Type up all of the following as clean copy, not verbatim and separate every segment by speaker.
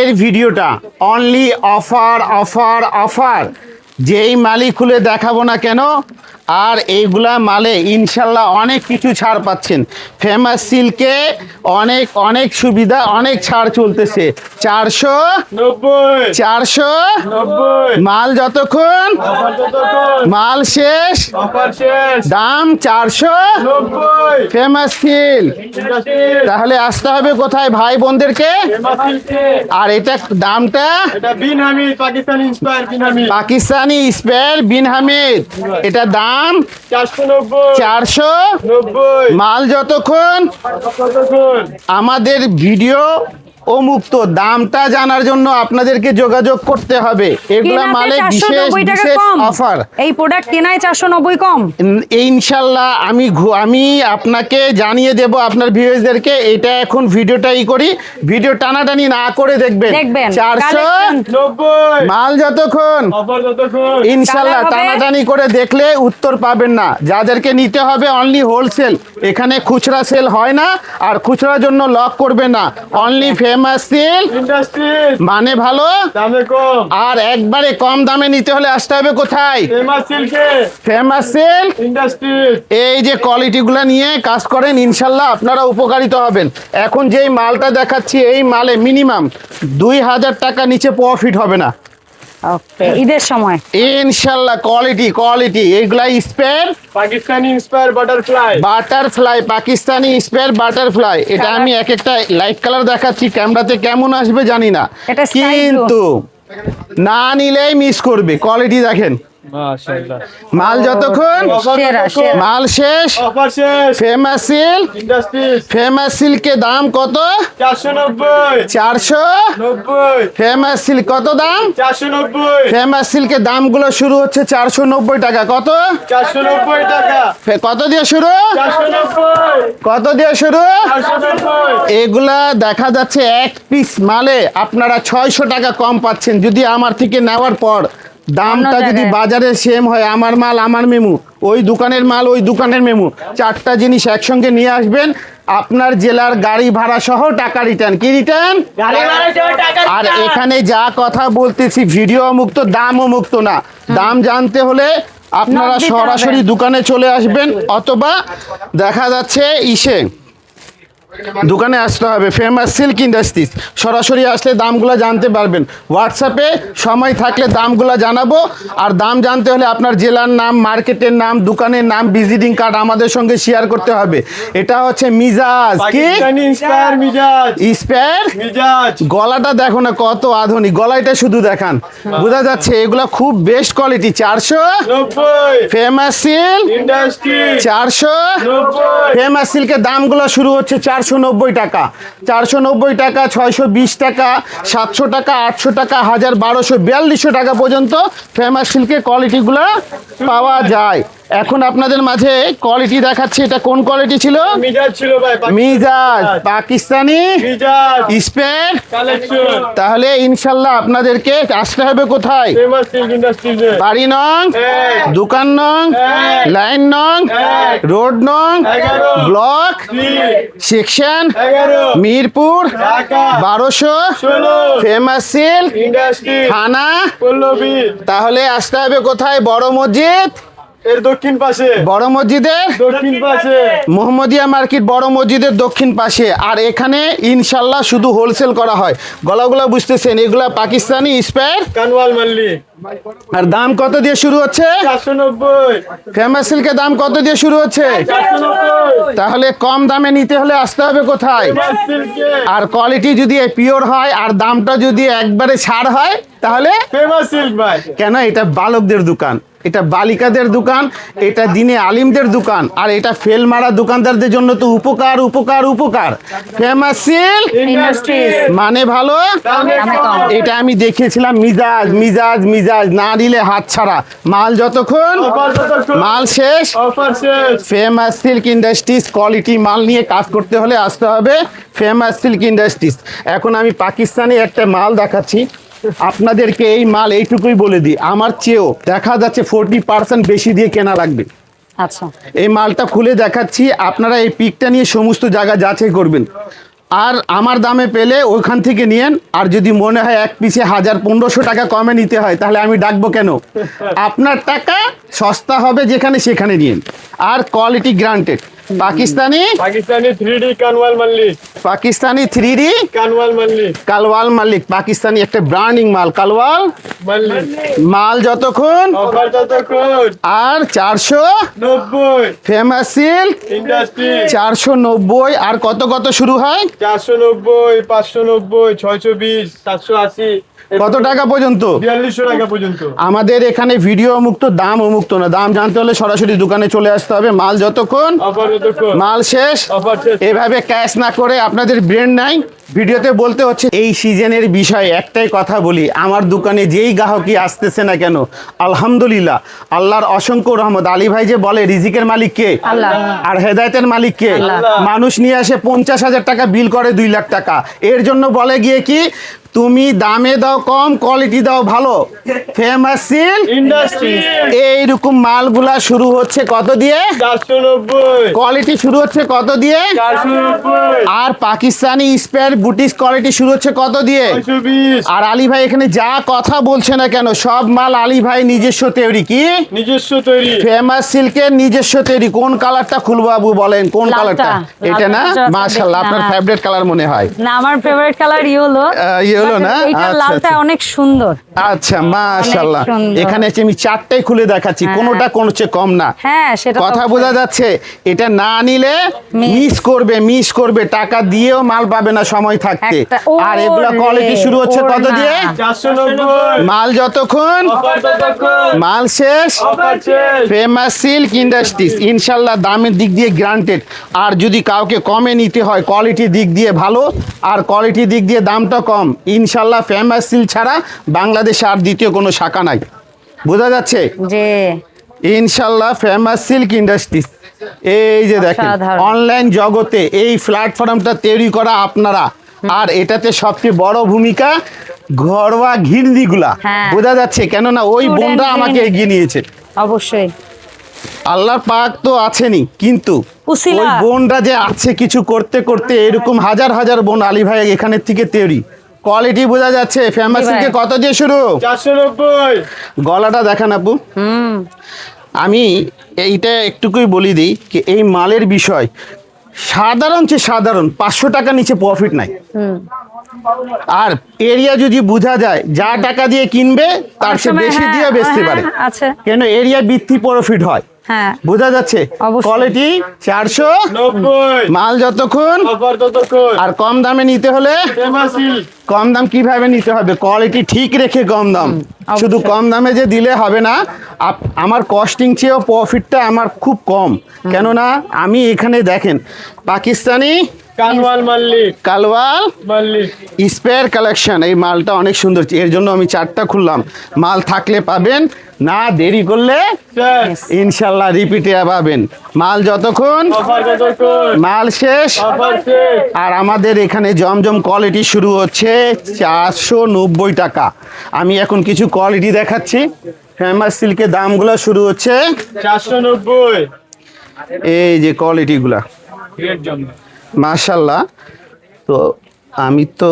Speaker 1: আজকের ভিডিওটা only offer offer offer, যেই মালই খুলে দেখাবো না কেন, আর এইগুলা মালে ইনশাল্লাহ অনেক কিছু ছাড় পাচ্ছেন। ফেমাস সিল্কে অনেক অনেক সুবিধা, অনেক ছাড় চলতেছে। 490 মাল যতক্ষণ মাল শেষ দাম 490 ফেমাস সিল্ক। তাহলে আসতে হবে কোথায় ভাই বোনদেরকে? আর এটা দামটা পাকিস্তানি স্পেয়ার বিন হামিদ, এটা দাম 490। মাল যতক্ষণ আমাদের ভিডিও মুক্ত, দামটা জানার জন্য আপনাদেরকে যোগাযোগ করতে হবে। এগুলা মালে বিশেষ বিশেষ অফার।
Speaker 2: এই প্রোডাক্ট কেনায় 490 কম
Speaker 1: ইনশাল্লাহ। আমি আপনাকে জানিয়ে দেব আপনার ভিউয়ারদেরকে। এটা এখন ভিডিওটাই করি, ভিডিও টানাটানি না করে দেখবেন। 490 মাল যতক্ষণ ইনশাল্লাহ টানাটানি করে দেখলে উত্তর পাবেন না। যাদেরকে নিতে হবে অনলি হোলসেল, এখানে খুচরা সেল হয় না, আর খুচরার জন্য লক করবে না। অনলি ফেমাস সিল্ক মানে ভালো দামে কম, আর একবারে কম দামে নিতে হলে আসতে হবে কোথায়? Famous silk industries. এই যে কোয়ালিটি গুলা নিয়ে কাজ করেন, ইনশাল্লাহ আপনারা উপকারিত হবেন। এখন যেই মালটা দেখাচ্ছি, এই মালে মিনিমাম 2000 টাকা নিচে প্রফিট হবে না
Speaker 2: ঈদের সময়
Speaker 1: ইনশাল্লাহ। কোয়ালিটি এইগুলা Sapphire Pakistani Sapphire butterfly Pakistani Sapphire butterfly. এটা আমি এক একটা লাইট কালার দেখাচ্ছি, ক্যামেরাতে কেমন আসবে জানি না, কিন্তু না নিলেই মিস করবে। কোয়ালিটি দেখেন, মাল যতক্ষণ মাল শেষ ফেমাস সিল্ক ইন্ডাস্ট্রিজ। ফেমাস সিল্কের দাম কত? 490। ফেমাস সিল্ক কত দাম? 490। ফেমাস সিল্কের দামগুলো শুরু হচ্ছে 490 টাকা। কত? 490 টাকা। কত দিয়ে শুরু? 490। কত দিয়ে শুরু? 490। এগুলা দেখা যাচ্ছে এক পিস মালে আপনারা 600 টাকা কম পাচ্ছেন। যদি আমার থেকে নেওয়ার পর দামটা যদি বাজারে সেম হয়, আমার মাল আমার মেমু, ওই দোকানের মাল ওই দোকানের মেমু, চারটা জিনিস একসঙ্গে নিয়ে আসবেন, আপনার জেলার গাড়ি ভাড়া সহ টাকা রিটার্ন। কি রিটার্ন? আর এখানে যা কথা বলতেছি ভিডিও মুক্ত, দামও মুক্ত না। দাম জানতে হলে আপনারা সরাসরি দোকানে চলে আসবেন, অথবা দেখা যাচ্ছে দোকানে আসতে হবে ফেমাস সিল্ক ইন্ডাস্ট্রিজ। সরাসরি আসলে দামগুলো জানতে পারবেন। হোয়াটসঅ্যাপে সময় থাকলে দামগুলো জানাবো। আর দাম জানতে হলে আপনার জেলার নাম, মার্কেটের নাম, দোকানের নাম, ভিজিটিং কার্ড আমাদের সঙ্গে শেয়ার করতে হবে। এটা হচ্ছে মিজাজ। কি স্পেয়ার মিজাজ। গলাটা দেখো না কত আধুনিক, গলাটা শুধু দেখান, বোঝা যাচ্ছে এগুলো খুব best quality. 490 famous silk industries. 490 famous সিল্কের দামগুলো শুরু হচ্ছে 490 টাকা। 490 টাকা, 620 টাকা, 700 টাকা, 800 টাকা, 1000, 1200, 4200 টাকা পর্যন্ত ফেমাস সিল্কের কোয়ালিটিগুলো পাওয়া যায়। এখন আপনাদের মাঝে কোয়ালিটি দেখাচ্ছি। এটা কোন কোয়ালিটি ছিল? মিজাজ ছিল ভাই, মিজাজ পাকিস্তানি স্পেয়ার কালেকশন। তাহলে ইনশাআল্লাহ আপনাদেরকে আসতে হবে কোথায়? ফেমাস সিল্ক ইন্ডাস্ট্রিজে। বাড়ি নং, দোকান নং, লাইন নং, রোড নং, block, section Mirpur 1216, famous silk industry, থানা পল্লবী। তাহলে আসতে হবে কোথায়? বড় মসজিদ এর দক্ষিণ পাশে, বড় মসজিদের দক্ষিণ পাশে, মোহাম্মদিয়া মার্কেট বড় মসজিদের দক্ষিণ পাশে। আর এখানে ইনশাল্লাহ শুধু হোলসেল করা হয়। গলাগুলা বুঝতেছেন, এগুলা পাকিস্তানি স্পেয়ার কানওয়াল মাল্লি। আর দাম কত দিয়ে শুরু হচ্ছে? 490। ফেমাস সিল্কের দাম কত দিয়ে শুরু হচ্ছে? 490। তাহলে কম দামে নিতে হলে আসতে হবে কোথায়? আর কোয়ালিটি যদি পিওর হয়, আর দামটা যদি একবারে ছাড় হয়, তাহলে ফেমাস সিল্ক ভাই। কেন? এটা বালকদের দোকান, এটা বালিকাদের দোকান, এটা দিনে আলিমদের দোকান, আর এটা ফেল মারা দোকানদারদের জন্য তো উপকার উপকার উপকার। ফেমাস সিল্ক ইন্ডাস্ট্রিজ মানে ভালো। এটা আমি দেখিয়েছিলাম মিজাজ মিজাজ মিজাজ, না দিলে হাত ছাড়া। মাল যতক্ষণ মাল শেষ ফেমাস সিল্ক ইন্ডাস্ট্রিজ। কোয়ালিটি মাল নিয়ে কাজ করতে হলে আসতে হবে ফেমাস সিল্ক ইন্ডাস্ট্রিজ। এখন আমি পাকিস্তানি একটা মাল দেখাচ্ছি আপনাদেরকে। এই মাল এইটুকুই বলে দিই, আমার চেয়েও দেখা যাচ্ছে 40% বেশি দিয়ে কেনা লাগবে।
Speaker 2: আচ্ছা,
Speaker 1: এই মালটা খুলে দেখাচ্ছি, আপনারা এই পিকটা নিয়ে সমস্ত জায়গা যাচাই করবেন। আর আমার দামে পেলে ওইখান থেকে নিয়েন। আর যদি মনে হয় এক পিসে 1000-1500 টাকা কমে নিতে হয়, তাহলে আমি ডাকবো কেন? আপনার টাকা সস্তা হবে যেখানে সেখানে নিন। আর quality granted. Pakistani
Speaker 3: 3D Kanwal Malik.
Speaker 1: Pakistani 3D
Speaker 3: Kanwal Malik.
Speaker 1: Kanwal Malik, Pakistani একটা ব্র্যান্ডিং মাল কালওয়াল
Speaker 3: মাল্লিক।
Speaker 1: মাল যতক্ষণ
Speaker 3: অফার যতক্ষণ।
Speaker 1: আর 490 ফেমাস সিল্ক
Speaker 3: ইন্ডাস্ট্রি।
Speaker 1: 490। আর কত কত শুরু হয়?
Speaker 3: 490, 590, 620, 780,
Speaker 1: কত টাকা পর্যন্ত?
Speaker 3: 4200 টাকা পর্যন্ত।
Speaker 1: আমাদের এখানে ভিডিও মুক্ত, দাম মুক্ত না। দাম জানতে হলে সরাসরি দোকানে চলে আসতে হবে। মাল যতক্ষণ
Speaker 3: অফার যতক্ষণ।
Speaker 1: মাল শেষ।
Speaker 3: অফার শেষ।
Speaker 1: এভাবে ক্যাশ না করে আপনাদের ব্রেন নাই ভিডিওতে বলতে হচ্ছে। এই সিজনের বিষয়ে একটাই কথা বলি, আমার দোকানে যেই গ্রাহকই আসতেছে না কেন, আলহামদুলিল্লাহ, আল্লাহর অসংখ্য রহমত। আলী ভাই যে বলে রিজিকের মালিক কে?
Speaker 2: আল্লাহ।
Speaker 1: আর হেদায়েতের মালিক কে?
Speaker 2: আল্লাহ।
Speaker 1: মানুষ নিয়ে আসে 50,000 টাকা বিল করে 2 লাখ টাকা। এর জন্য বলে গিয়ে কি, তুমি দামে দাও কম, কোয়ালিটি দাও ভালো। Famous silk
Speaker 3: industry.
Speaker 1: এইরকম মালগুলা শুরু হচ্ছে কত দিয়ে?
Speaker 3: 490,
Speaker 1: কোয়ালিটি শুরু হচ্ছে কত দিয়ে?
Speaker 3: 490,
Speaker 1: আর পাকিস্তানি স্পেয়ার বুটিক কোয়ালিটি শুরু হচ্ছে কত দিয়ে?
Speaker 3: 620।
Speaker 1: আর আলী ভাই এখানে যা কথা বলছে না কেন, সব মাল আলী ভাই নিজস্ব তৈরি। কি
Speaker 3: নিজস্ব তৈরি।
Speaker 1: ফেমাস সিল্কের নিজস্ব তৈরি। কোন কালারটা খুলবো বাবু বলেন, কোন
Speaker 2: লালটা।
Speaker 1: কালারটা? এটা না?
Speaker 2: লালটা
Speaker 1: মাশাআল্লাহ, আপনার
Speaker 2: হ্যাঁ।
Speaker 1: ফেভারিট কালার মনে হয়।
Speaker 2: না, আমার ফেভারিট কালার ইয়েলো।
Speaker 1: ইয়েলো না?
Speaker 2: এইটা
Speaker 1: আচ্ছা,
Speaker 2: লালটা
Speaker 1: আচ্ছা।
Speaker 2: অনেক সুন্দর।
Speaker 1: আচ্ছা মাশাআল্লাহ।
Speaker 2: অনেক সুন্দর।
Speaker 1: এখানে হচ্ছে আমি 4টাই খুলে দেখাচ্ছি,
Speaker 2: হ্যাঁ।
Speaker 1: কোনোটা কোনো চেয়ে কম না।
Speaker 2: হ্যাঁ, সেটা তো
Speaker 1: কথা বোঝা যাচ্ছে। এটা না নিলে মিস করবে, টাকা দিয়েও মাল পাবে না সময় থাকতে। আর এগুলা কোয়ালিটি শুরু হচ্ছে কত দিয়ে?
Speaker 3: 490,
Speaker 1: মাল যতক্ষণ
Speaker 3: অফার যতক্ষণ।
Speaker 1: মাল শেষ।
Speaker 3: অফার শেষ।
Speaker 1: ফেমাস সিল্ক ইন্ডাস্ট্রিজ, ইনশাল্লাহ দামের দিক দিয়ে গ্রান্টেড। আর যদি কাউকে কমে নিতে হয়, কোয়ালিটির দিক দিয়ে ভালো আর কোয়ালিটির দিক দিয়ে দামটা কম, ইনশাল্লাহ ফেমাস সিল্ক ছাড়া বাংলাদেশে আর দ্বিতীয় কোনো শাখা নাই। বোঝা যাচ্ছে?
Speaker 2: যে
Speaker 1: ইনশাল্লাহ ফেমাস সিল্ক ইন্ডাস্ট্রিজ। এই যে দেখেন,
Speaker 2: অসাধারণ।
Speaker 1: অনলাইন জগতে এই প্ল্যাটফর্মটা তৈরি করা আপনারা। আর এটাতে সবচেয়ে বড় ভূমিকা ঘরোয়া ঘিরনিগুলা।
Speaker 2: হ্যাঁ।
Speaker 1: বোঝা যাচ্ছে, কেননা ওই
Speaker 2: Student
Speaker 1: বোনরা আমাকে
Speaker 2: গৃহিণী।
Speaker 1: এগিয়ে নিয়েছে।
Speaker 2: অবশ্যই
Speaker 1: আল্লাহর পাক তো আছেনই, কিন্তু
Speaker 2: উসিলা।
Speaker 1: ওই বোনরা যে আছে কিছু করতে করতে, এরকম হাজার হাজার বোন আলী ভাই এখানের থেকে তৈরি। কোয়ালিটি বোঝা যাচ্ছে। ফেমাস
Speaker 2: জি ভাই।
Speaker 1: সিল্কে কত দিয়ে শুরু?
Speaker 3: 490,
Speaker 1: গলাটা দেখান আপু। আমি এইটা একটুকুই বলি দিই কি, এই মালের বিষয় সাধারণ চেয়ে সাধারণ 500 টাকা নিচে প্রফিট নাই। আর এরিয়া যদি বোঝা যায়, যা টাকা দিয়ে কিনবে তার
Speaker 2: অনেক
Speaker 1: চেয়ে
Speaker 2: সময়
Speaker 1: বেশি
Speaker 2: হ্যাঁ,
Speaker 1: দিয়ে বেচতে পারে।
Speaker 2: আছে।
Speaker 1: কেন এরিয়া বৃদ্ধি প্রফিট হয়।
Speaker 2: হ্যাঁ,
Speaker 1: বোঝা যাচ্ছে?
Speaker 2: অবশ্যই।
Speaker 1: কোয়ালিটি 490,
Speaker 3: 90,
Speaker 1: মাল যতক্ষণ।
Speaker 3: অফার ততক্ষণ।
Speaker 1: আর কম দামে নিতে হলে
Speaker 3: ফেমাস সিল্ক।
Speaker 1: কম দাম কিভাবে নিতে হবে? কোয়ালিটি ঠিক রেখে কম দাম।
Speaker 2: অবশ্যই।
Speaker 1: শুধু কম দামে যে দিলে হবে না। আমার কস্টিং চেয়েও প্রফিটটা আমার খুব কম। কেননা আমি এখানে দেখেন পাকিস্তানি
Speaker 3: কানওয়াল মাল্লিক।
Speaker 1: কালওয়াল
Speaker 3: মাল্লিক।
Speaker 1: স্পেয়ার কালেকশন, এই মালটা অনেক সুন্দর। এর জন্য আমি 4টা খুললাম। মাল থাকলে পাবেন, না দেরি করলে
Speaker 3: শেষ।
Speaker 1: ইনশাল্লাহ রিপিটে পাবেন। মাল যতক্ষণ
Speaker 3: অফার যতক্ষণ।
Speaker 1: মাল শেষ।
Speaker 3: অফার শেষ।
Speaker 1: আর আমাদের এখানে জমজম কোয়ালিটি শুরু হচ্ছে 490 টাকা। আমি এখন কিছু কোয়ালিটি দেখাচ্ছি। ফেমাস সিল্কের দামগুলো শুরু হচ্ছে
Speaker 3: 490,
Speaker 1: এই যে কোয়ালিটিগুলা,
Speaker 3: এর জন্য।
Speaker 1: মাশাল্লাহ। তো আমি তো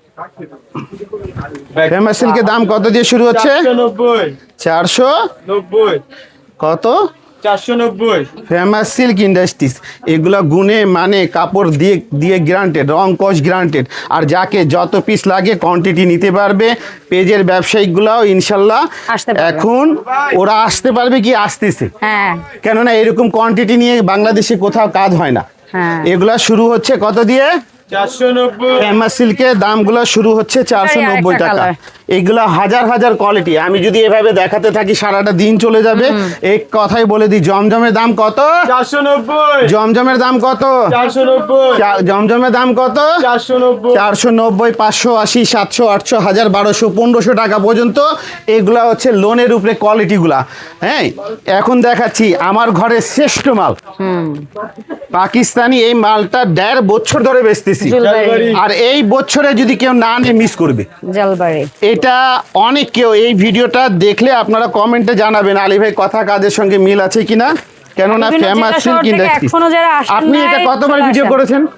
Speaker 1: ফেমাস সিল্কের দাম কত দিয়ে শুরু হচ্ছে?
Speaker 3: 490,
Speaker 1: 490 কত?
Speaker 3: 490,
Speaker 1: ফেমাস সিল্ক ইন্ডাস্ট্রিজ। এগুলা গুণে মানে কাপড় দিয়ে দিয়ে গ্রান্টেড, রং কস গ্রান্টেড। আর যাকে যত পিস লাগে কোয়ান্টিটি নিতে পারবে। পেজের ব্যবসায়িকগুলাও ইনশাল্লাহ
Speaker 2: আসতে পারবে।
Speaker 1: এখন ওরা আসতে পারবে কি আসতেছে।
Speaker 2: হ্যাঁ,
Speaker 1: কেননা এরকম কোয়ান্টিটি নিয়ে বাংলাদেশে কোথাও কাজ হয় না।
Speaker 2: হ্যাঁ।
Speaker 1: এগুলা শুরু হচ্ছে কত দিয়ে?
Speaker 3: 490,
Speaker 1: ফেমাস সিল্কের দামগুলো শুরু হচ্ছে 490
Speaker 2: আরেকটা
Speaker 1: টাকা।
Speaker 2: কালার।
Speaker 1: এগুলা হাজার হাজার কোয়ালিটি। আমি যদি এভাবে দেখাতে থাকি সারাটা দিন চলে যাবে। এই কথাই বলে দিই, জমজমের দাম কত?
Speaker 3: 490,
Speaker 1: জমজমের দাম কত?
Speaker 3: 490,
Speaker 1: জমজমের দাম কত?
Speaker 3: 490,
Speaker 1: 490, 580, 700, 800, 1000, 1200, 1500 টাকা পর্যন্ত। এগুলা হচ্ছে লোনের উপরে কোয়ালিটিগুলা। হ্যাঁ, এখন দেখাচ্ছি আমার ঘরের শ্রেষ্ঠ মাল পাকিস্তানি। এই মালটা 1.5 বছর ধরে বেচতেছি।
Speaker 2: জুলবাড়ি।
Speaker 1: আর এই বছরে যদি কেউ না নিয়ে মিস করবে।
Speaker 2: জলবাড়ি।
Speaker 1: এটা অনেক কেউ এই ভিডিওটা দেখলে আপনারা কমেন্টে জানাবেন আলী ভাই কথা কাজের সঙ্গে মিল আছে কিনা। কেননা
Speaker 2: বিভিন্ন
Speaker 1: ফেমাস
Speaker 2: জেলা
Speaker 1: সিল্ক
Speaker 2: শহর থেকে
Speaker 1: ইন্ডাস্ট্রি।
Speaker 2: এখনো যারা আসেন
Speaker 1: আপনি
Speaker 2: নাই,
Speaker 1: এটা কতবার
Speaker 2: চলে
Speaker 1: ভিডিও
Speaker 2: আসেন।
Speaker 1: করেছেন?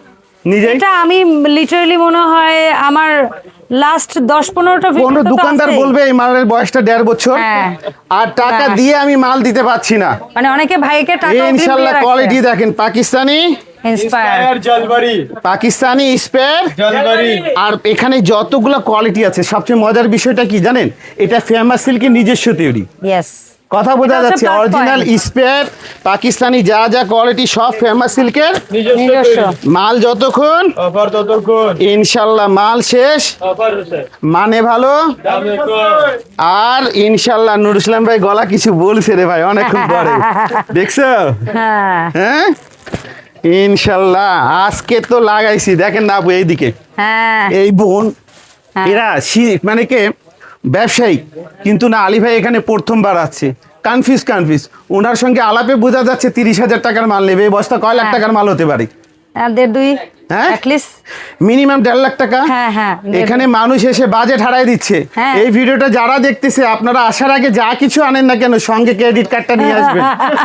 Speaker 1: নিজে
Speaker 2: এটা আমি লিটারালি মনে হয় আমার লাস্ট 10-15টা
Speaker 1: কোন দোকানদার বলবে এই মালের বয়সটা 1.5 বছর,
Speaker 2: হ্যাঁ।
Speaker 1: আর টাকা
Speaker 2: না।
Speaker 1: দিয়ে আমি মাল দিতে পারছি না।
Speaker 2: মানে অনেকে ভাইকে টাকা
Speaker 1: ইনশাআল্লাহ কোয়ালিটি দেখেন, পাকিস্তানি
Speaker 3: ইন্সপায়ার জলবাড়ি
Speaker 1: পাকিস্তানি স্পেয়ার,
Speaker 3: জলবাড়ি
Speaker 1: আর এখানে যতগুলো কোয়ালিটি আছে সবচেয়ে মজার বিষয়টা কি জানেন, এটা ফেমাস সিল্কের নিজস্ব তৈরি।
Speaker 2: ইয়েস
Speaker 1: কথা বোঝা
Speaker 2: এটা হচ্ছে
Speaker 1: যাচ্ছে,
Speaker 2: plus
Speaker 1: original
Speaker 2: point।
Speaker 1: Sapphire Pakistani যা যা কোয়ালিটি সব ফেমাস সিল্কের
Speaker 2: নিজস্ব।
Speaker 1: মাল। যতক্ষণ
Speaker 3: অফার ততক্ষণ
Speaker 1: ইনশাল্লাহ মাল শেষ,
Speaker 3: অফার হচ্ছে
Speaker 1: মানে ভালো,
Speaker 3: দামে কম।
Speaker 1: আর ইনশাল্লাহ নুর ইসলাম ভাই গলা কিছু বলছে রে ভাই অনেকক্ষণ পরে, দেখছো?
Speaker 2: হ্যাঁ
Speaker 1: হ্যাঁ ইনশাল্লাহ আজকে তো লাগাইছি। দেখেন না আপু এইদিকে
Speaker 2: হ্যাঁ
Speaker 1: এই বোন,
Speaker 2: হ্যাঁ।
Speaker 1: এরা মানে কে ব্যবসায়ী, কিন্তু না আলী ভাই এখানে প্রথমবার আছে, কনফিউজ ওনার সঙ্গে আলাপে বোঝা যাচ্ছে 30,000 টাকার মাল নেবে। এই বস্তা কয় লাখ
Speaker 2: হ্যাঁ।
Speaker 1: টাকার মাল হতে পারে?
Speaker 2: আর 1.5-2
Speaker 1: হ্যাঁ?
Speaker 2: অ্যাটলিস্ট।
Speaker 1: মিনিমাম 1.5 লাখ টাকা।
Speaker 2: হ্যাঁ, হ্যাঁ,
Speaker 1: এখানে মানুষ এসে বাজেট হারাই দিচ্ছে।
Speaker 2: হ্যাঁ।
Speaker 1: এই ভিডিওটা যারা দেখতেছে, আপনারা আসার আগে যা কিছু আনেন না কেন সঙ্গে ক্রেডিট কার্ডটা নিয়ে আসবেন।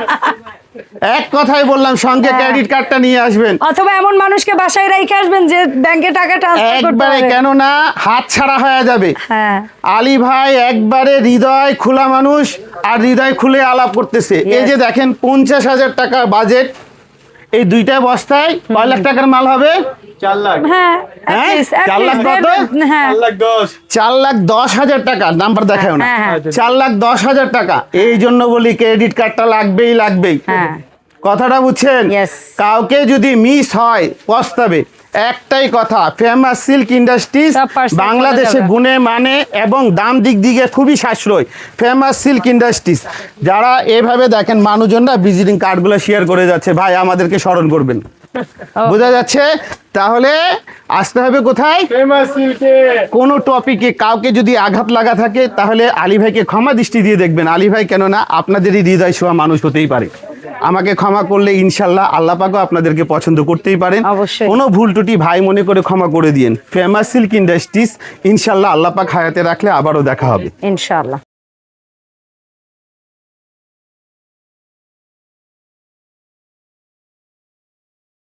Speaker 1: এক কথাই বললাম, সঙ্গে ক্রেডিট কার্ডটা নিয়ে আসবেন
Speaker 2: অথবা এমন মানুষকে বাসায় রেখে আসবেন যে ব্যাংকে টাকা ট্রান্সফার করতে
Speaker 1: একবারে,
Speaker 2: পারে।
Speaker 1: কেননা হাত ছাড়া হয়ে যাবে।
Speaker 2: হ্যাঁ
Speaker 1: আলী ভাই একবারে হৃদয় খোলা মানুষ, আর হৃদয় খুলে আলাপ করতেছে। এই যে দেখেন 50,000 টাকা বাজেট, এই দুইটা বস্তায় কয় লাখ টাকার মাল হবে?
Speaker 3: 4 লাখ
Speaker 2: হ্যাঁ
Speaker 1: হ্যাঁ?
Speaker 2: at least,
Speaker 1: 4 লাখ কত?
Speaker 2: হ্যাঁ
Speaker 3: 4 লাখ 10
Speaker 1: 4,10,000 টাকা। নাম্বার দেখাও না।
Speaker 2: হ্যাঁ, হ্যাঁ।
Speaker 1: 4,10,000 টাকা। এই জন্য বলি ক্রেডিট কার্ডটা লাগবেই।
Speaker 2: হ্যাঁ
Speaker 1: কথাটা বুঝছেন?
Speaker 2: Yes.
Speaker 1: কাউকে যদি মিস হয় পস্তাবে। একটাই কথা, ফেমাস সিল্ক ইন্ডাস্ট্রিজ
Speaker 2: সব parcel
Speaker 1: বাংলাদেশে
Speaker 2: চলে যাবে।
Speaker 1: গুণে মানে এবং দাম দিক দিকে খুবই সাশ্রয়। ফেমাস সিল্ক ইন্ডাস্ট্রিজ যারা এভাবে দেখেন, মানুষজনরা ভিজিটিং কার্ডগুলো শেয়ার করে যাচ্ছে, ভাই আমাদেরকে স্মরণ করবেন। বোঝা যাচ্ছে? তাহলে আসতে হবে কোথায়?
Speaker 3: ফেমাস সিল্কে
Speaker 1: কোনো টপিকে কাউকে যদি আঘাত লাগা থাকে, তাহলে আলী ভাইকে ক্ষমা দৃষ্টি দিয়ে দেখবেন। আলী ভাই কেননা আপনাদেরই হৃদয় ছোঁয়া মানুষ হতেই পারে। আমাকে ক্ষমা করলে ইনশাল্লাহ আল্লাহ পাকও আপনাদেরকে পছন্দ করতেই পারেন।
Speaker 2: অবশ্যই।
Speaker 1: কোনো ভুল ত্রুটি ভাই মনে করে ক্ষমা করে দিয়েন। ফেমাস সিল্ক ইন্ডাস্ট্রিজ ইনশাল্লাহ আল্লাহ পাক হায়াতে রাখলে আবারও দেখা হবে।
Speaker 2: ইনশাআল্লাহ।